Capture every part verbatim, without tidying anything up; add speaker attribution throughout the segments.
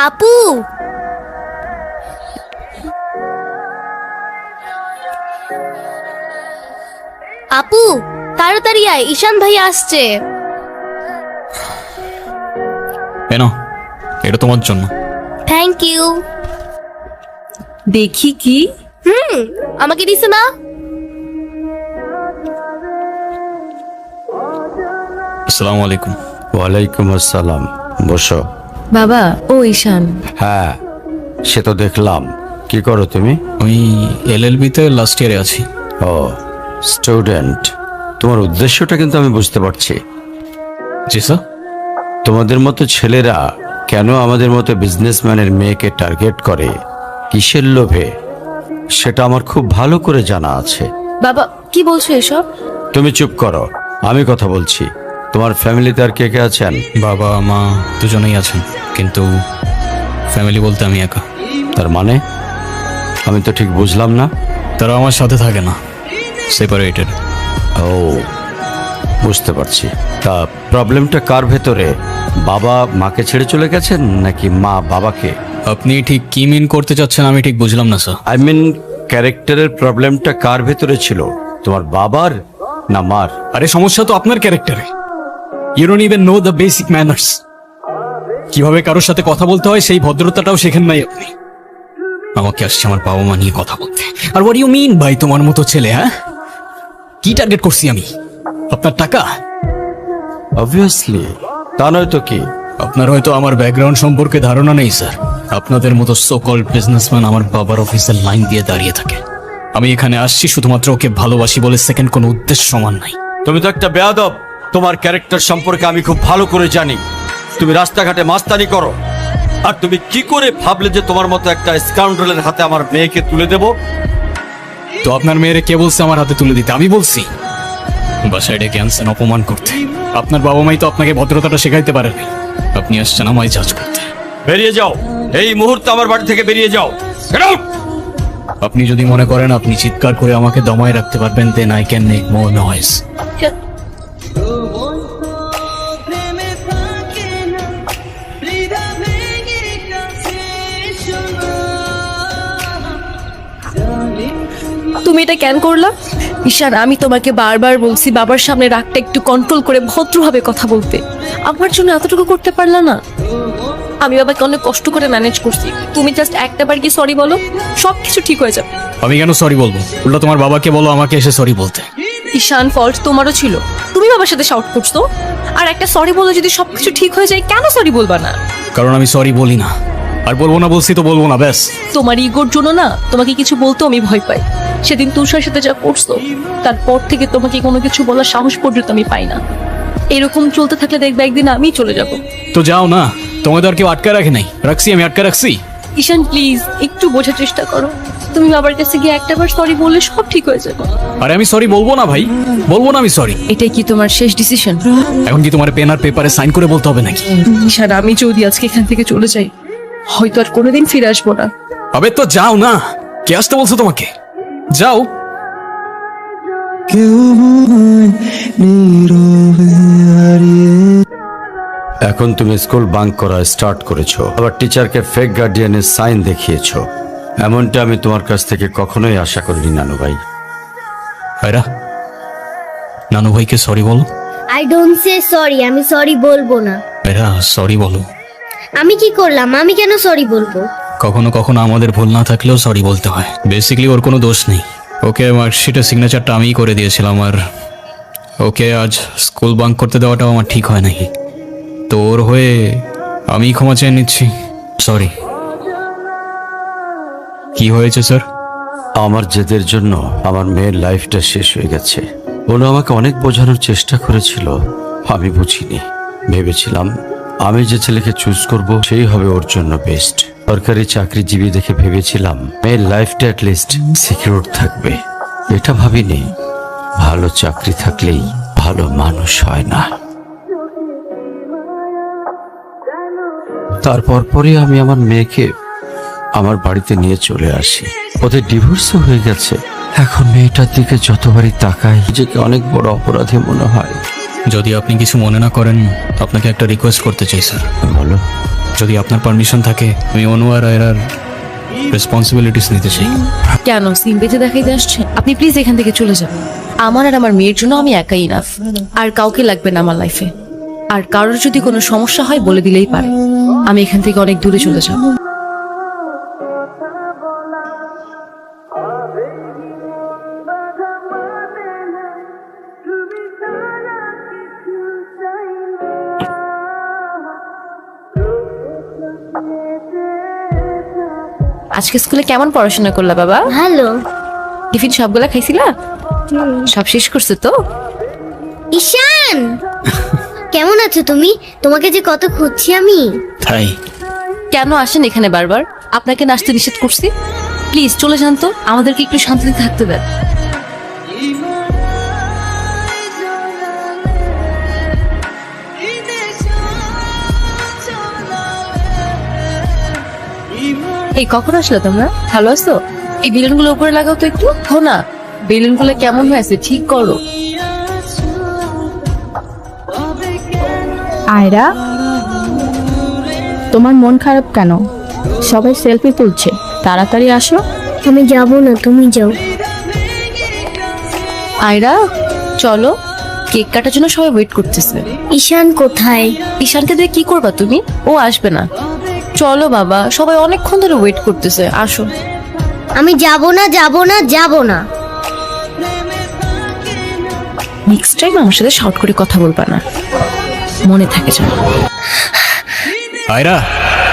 Speaker 1: আপু, আপু তাড়াতাড়ি আয়, ঈশান ভাই আসছে।
Speaker 2: এনো, এটা তোমার জন্য।
Speaker 1: Thank you.
Speaker 3: দেখি কি?
Speaker 1: হুম, আমাকে দিছে না?
Speaker 2: আসসালামু আলাইকুম।
Speaker 4: ওয়ালাইকুম আসসালাম, বসো।
Speaker 3: বাবা, ও ঈশান।
Speaker 4: হ্যাঁ, সে তো দেখলাম। কি করো তুমি?
Speaker 2: আমি এলএলবিতে লাস্ট ইয়ারে আছি।
Speaker 4: ও, স্টুডেন্ট। তোমার উদ্দেশ্যটা কিন্তু আমি বুঝতে পারছি।
Speaker 2: জি স্যার।
Speaker 4: তোমাদের মতো ছেলেরা কেন আমাদের মতো বিজনেসম্যানের মেয়েকে টার্গেট করে, কিসের লোভে, সেটা আমার খুব ভালো করে জানা আছে।
Speaker 3: বাবা, কি বলছো এসব?
Speaker 4: তুমি চুপ করো, আমি কথা বলছি। তোমার ফ্যামিলিতে আর কে কে আছেন?
Speaker 2: বাবা মা দুজনেই আছেন, কিন্তু ফ্যামিলি বলতে আমি একা।
Speaker 4: তার মানে আমি তো ঠিক বুঝলাম না।
Speaker 2: তারা আমার সাথে থাকে না, সেপারেটেড।
Speaker 4: ও, বুঝতে পারছি। তা প্রবলেমটা কার ভেতরে? বাবা মাকে ছেড়ে চলে গেছেন নাকি মা বাবাকে?
Speaker 2: আপনি ঠিক কি মিন করতে চাচ্ছেন আমি ঠিক বুঝলাম না স্যার।
Speaker 4: আই মিন, ক্যারেক্টারের প্রবলেমটা কার ভেতরে ছিল, তোমার বাবার না মার?
Speaker 2: আরে সমস্যা তো আপনার ক্যারেক্টারে। You don't even know the basic manners. কিভাবে কারোর সাথে কথা বলতে হয় সেই ভদ্রতাটাও শেখেন নাই আপনি। আমাকে আসছে আমার বাবা মা নিয়ে কথা বলতে। আর হোয়াট ইউ মিন ভাই, তোমার মতো ছেলে? হ্যাঁ, কি টার্গেট করছি আমি? আপনার টাকা?
Speaker 4: অবভিয়াসলি, তা নয় তো কি?
Speaker 2: আপনার হয়তো আমার ব্যাকগ্রাউন্ড সম্পর্কে ধারণা নেই স্যার। আপনাদের মতো সো কল্ড বিজনেসম্যান আমার বাবার অফিসের লাইন দিয়ে দাঁড়িয়ে থাকে। আমি এখানে আসছি শুধুমাত্র ওকে ভালোবাসি বলে, সেকেন্ড কোনো উদ্দেশ্য সমান নাই।
Speaker 4: তুমি তো একটা বেয়াদব। তোমার ক্যারেক্টার সম্পর্কে আমি খুব ভালো করে জানি। তুমি রাস্তাঘাটে মাস্তানি করো, আর তুমি কি করে ভাবলে যে তোমার মতো একটা স্কাউন্ডারের হাতে আমার মেয়েকে তুলে দেব?
Speaker 2: তো আপনার মেয়েরে কে বলছে আমার হাতে তুলে দিতে? আমি বলছি? বাসায় ডেকে আনছেন অপমান করতে। আপনার বাবা মাই তো আপনাকে ভদ্রতাটা শেখাইতে পারেনি। আপনি আসছেন আমায় জাজ করতে।
Speaker 4: বেরিয়ে যাও, এই মুহূর্তে আমার বাড়ি থেকে বেরিয়ে যাও। Get out!
Speaker 2: আপনি যদি মনে করেন আপনি চিৎকার করে আমাকে দমায় রাখতে পারবেন, then I can make more noise.
Speaker 3: তুমি এটা কেন করলা? ঈশান, আমি তোমাকে বারবার বলছি বাবার সামনে রাগটা একটু কন্ট্রোল করে ভদ্রভাবে কথা বলতে। আমার জন্য এতটুকু করতে পারলা না? আমি বাবাকে অনেক কষ্ট করে ম্যানেজ করছি। তুমি জাস্ট একটা বার কি সরি বলো, সব কিছু ঠিক হয়ে যাবে।
Speaker 2: আমি কেন সরি বলবো? উল্টা তোমার বাবাকে বলো আমাকে এসে সরি বলতে।
Speaker 3: ঈশান, ফল্ট তোমারও ছিল। তুমি বাবার সাথে শাউট করছো, আর একটা সরি বলে যদি সবকিছু ঠিক হয়ে যায়, কেন সরি বলবা না?
Speaker 2: কারণ আমি সরি বলি না, আর বলবো না। বলছি তো বলবো না, ব্যাস।
Speaker 3: তোমার ইগোর জন্য না তোমাকে কিছু বলতেও আমি ভয় পাই। সেদিন তুষার সাথে যা করছো, তারপর থেকে তোমাকে কোনো কিছু বলার সাহস পর্যন্ত আমি পাই না। এরকম চলতে থাকলে দেখবে একদিন আমি চলে যাব।
Speaker 2: তো যাও না, তোমাদের আর কেউ আটকা রাখে নাই। রাখছি, আমি আটকা রাখছি।
Speaker 3: ঈশান প্লিজ, একটু বোঝার চেষ্টা করো। তুমি বাবার কাছে গিয়ে একটা বার সরি বললে সব ঠিক হয়ে যাবে।
Speaker 2: আরে আমি সরি বলবো না ভাই, বলবো না আমি সরি।
Speaker 3: এটাই কি তোমার শেষ ডিসিশন?
Speaker 2: এখন কি তোমার পেন আর পেপারে সাইন করে বলতে হবে নাকি?
Speaker 3: ঈশান, আমি যদি আজকে এখান থেকে চলে যাই, হয়তো আর কোনোদিন ফিরে আসবো না।
Speaker 2: আবে তো যাও না, কে আসতে বলছো তোমাকে? যাও।
Speaker 4: এখন তুমি স্কুল বাঙ্ক করা স্টার্ট করেছো, আবার টিচারকে ফেক গার্ডিয়ানের সাইন দেখিয়েছো। এমনটা আমি তোমার কাছ থেকে কখনোই আশা করিনি নানু ভাই।
Speaker 2: ভাইরা, নানু ভাইকে সরি বলো।
Speaker 1: আই ডোন্ট সে সরি, আমি সরি বলবো না।
Speaker 2: ভাইরা সরি বলো।
Speaker 1: আমি কি করলাম? আমি কেন সরি বলবো?
Speaker 2: কখনো কখনো আমাদের ভুল না থাকলেও সরি বলতে হয়। বেসিক্যালি ওর কোনো দোষ নেই। ওকে মার্কশিটের সিগনেচারটা আমিই করে দিয়েছিলাম, আর ওকে আজ স্কুল বাঙ্ক করতে দেওয়াটাও আমার ঠিক হয় নাই। তো ওর হয়ে আমি ক্ষমা চেয়ে নিচ্ছি। সরি। কি হয়েছে স্যার?
Speaker 4: আমার জেদের জন্য আমার মেয়ের লাইফটা শেষ হয়ে গেছে। ওরা আমাকে অনেক বোঝানোর চেষ্টা করেছিল, আমি বুঝিনি। ভেবেছিলাম আমি যে ছেলেকে চুজ করব সেই হবে ওর জন্য বেস্ট। সরকারি চাকরিজীবী দেখে ভেবেছিলাম মেয়ের লাইফটা অ্যাটলিস্ট সিকিউর থাকবে। এটা ভাবিনি ভালো চাকরি থাকলেই ভালো মানুষ হয় না। তারপর পরে আমি আমার মেয়েকে আমার বাড়িতে নিয়ে চলে আসি। ওদের ডিভোর্সও হয়ে গেছে। এখন মেয়েটার দিকে যতবারই তাকাই নিজেকে অনেক বড় অপরাধী মনে হয়।
Speaker 2: যদি আপনি কিছু মনে না করেন, আপনাকে একটা রিকোয়েস্ট করতে চাই স্যার।
Speaker 4: বলো।
Speaker 2: যদি আপনার পারমিশন থাকে, আমি অনু আর আয়রার রেসপন্সিবিলিটিস নিতে চাই।
Speaker 3: কেন সিম বেঁধে দেখাইতে আসছেন? আপনি প্লিজ এখান থেকে চলে যান। আমার আর আমার মেয়ের জন্য আমি একাই ইনাফ, আর কাউকে লাগবে না আমার লাইফে। আর কারোর যদি কোনো সমস্যা হয় বলে দিলেই পারে। আমি এখান থেকে অনেক দূরে চলে যাব। আজকে স্কুলে কেমন পড়াশোনা করলা বাবা?
Speaker 1: ভালো।
Speaker 3: টিফিন সবগুলা খাইছিলা? সব শেষ করছো তো?
Speaker 1: ঈশান, কেমন আছো তুমি? তোমাকে যে কত খুঁজছি আমি।
Speaker 2: তাই
Speaker 3: কেন আসেন এখানে বারবার? আপনাকে নাচতে নিষেধ করছি? প্লিজ চলে যান তো, আমাদেরকে একটু শান্তিতে থাকতে দেন। এই কখন আসলে তোমরা? ভালো আছো? এই বেলুনগুলো উপরে লাগাও তো একটু। হো না, বেলুনগুলো কেমন হয়েছে ঠিক করো।
Speaker 5: আয়রা, তোমার মন খারাপ কেন? সবাই সেলফি তুলছে, তাড়াতাড়ি আসো।
Speaker 1: আমি যাব না, তুমি যাও।
Speaker 3: আয়রা চলো, কেক কাটার জন্য সবাই ওয়েট করতেছে।
Speaker 1: ঈশান কোথায়?
Speaker 3: ঈশানকে দিয়ে কি করবা তুমি? ও আসবে না। চলো বাবা, সবাই অনেকক্ষণ ধরে ওয়েট করতেছে, আসো।
Speaker 1: আমি যাব না, যাব না, যাব না।
Speaker 3: নেক্সট টাইম আমার সাথে শর্ট করে কথা বলবা না, মনে থাকে যেন।
Speaker 2: আয়রা,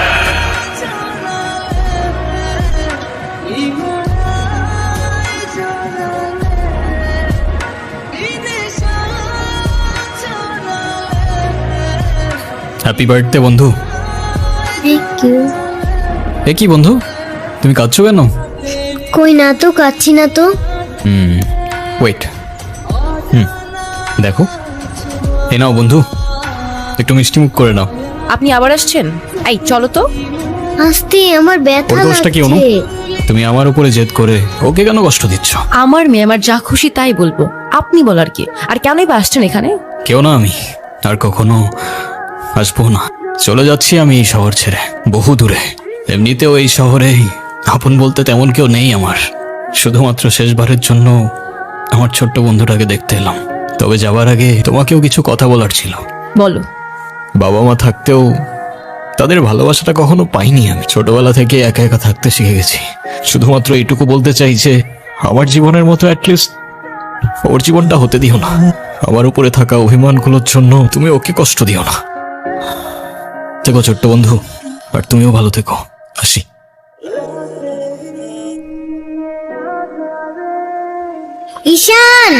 Speaker 2: হ্যাপি বার্থডে বন্ধু।
Speaker 1: Thank you.
Speaker 2: এ কি বন্ধু, তুমি কাঁদছো কেন?
Speaker 1: কই না তো, কাচ্ছি না তো।
Speaker 2: হুম, ওয়েট। হুম, দেখো, এ নাও বন্ধু, একটু মিষ্টি মুখ করে নাও।
Speaker 3: আপনি আবার আসছেন? এই চলো তো।
Speaker 1: আস্তে, আমার ব্যথা
Speaker 2: ওর দোষটা কি অনু?
Speaker 1: লাগছে।
Speaker 2: তুমি আমার উপরে জেদ করে ওকে কেন কষ্ট দিচ্ছ?
Speaker 3: আমার মেয়ে, আমার যা খুশি তাই বলবো, আপনি বলার কি? আর কেনই বা আসছেন এখানে?
Speaker 2: কেউ না, আমি আর কখনো আসবো না। চলে যাচ্ছি আমি এই শহর ছেড়ে, বহু দূরে। এমনিতেও এই শহরে আপন বলতে তেমন কেউ নেই আমার। শুধুমাত্র শেষবারের জন্য আমার ছোট্ট বন্ধুটাকে দেখতে এলাম। তবে যাবার আগে তোমাকেও কিছু কথা বলার ছিল।
Speaker 3: বলো।
Speaker 2: বাবা মা থাকতেও তাদের ভালোবাসাটা কখনো পাইনি আমি। ছোটবেলা থেকে একা একা থাকতে শিখে গেছি। শুধুমাত্র এইটুকু বলতে চাই যে আমার জীবনের মতো অ্যাটলিস্ট ওর জীবনটা হতে দিও না। আমার উপরে থাকা অভিমানগুলোর জন্য তুমি ওকে কষ্ট দিও না। থেকো ছোট্ট বন্ধু, আর তুমিও ভালো থেকো। আসি।
Speaker 1: ঈশান,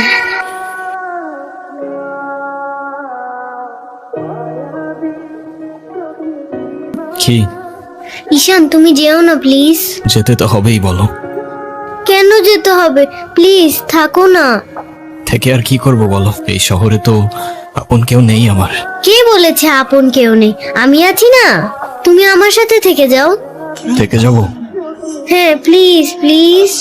Speaker 2: কি?
Speaker 1: ঈশান তুমি যেও না প্লিজ।
Speaker 2: যেতে তো হবেই, বলো।
Speaker 1: কেন যেতে হবে? প্লিজ থাকো না।
Speaker 2: থেকে আর কি করব বলো? এই শহরে তো আপন কেউ নেই আমার।
Speaker 1: কে বলেছে আপন কেউ নেই? আমি আছি না, তুমি আমার সাথে থেকে যাও।
Speaker 2: থেকে যাব?
Speaker 1: হ্যাঁ প্লিজ প্লিজ।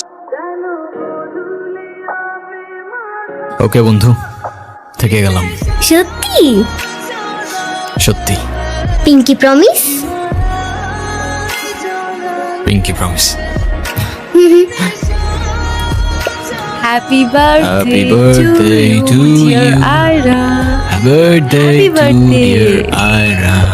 Speaker 2: ওকে বন্ধু, থেকে গেলাম।
Speaker 1: সত্যি?
Speaker 2: সত্যি।
Speaker 1: Pinky promise?
Speaker 2: Pinky promise.
Speaker 3: Happy
Speaker 2: Happy
Speaker 3: birthday
Speaker 2: birthday
Speaker 3: to
Speaker 2: to
Speaker 3: you
Speaker 2: you.
Speaker 3: Ayra.
Speaker 2: Happy birthday
Speaker 3: Happy
Speaker 2: to
Speaker 3: birthday.
Speaker 2: dear Ira.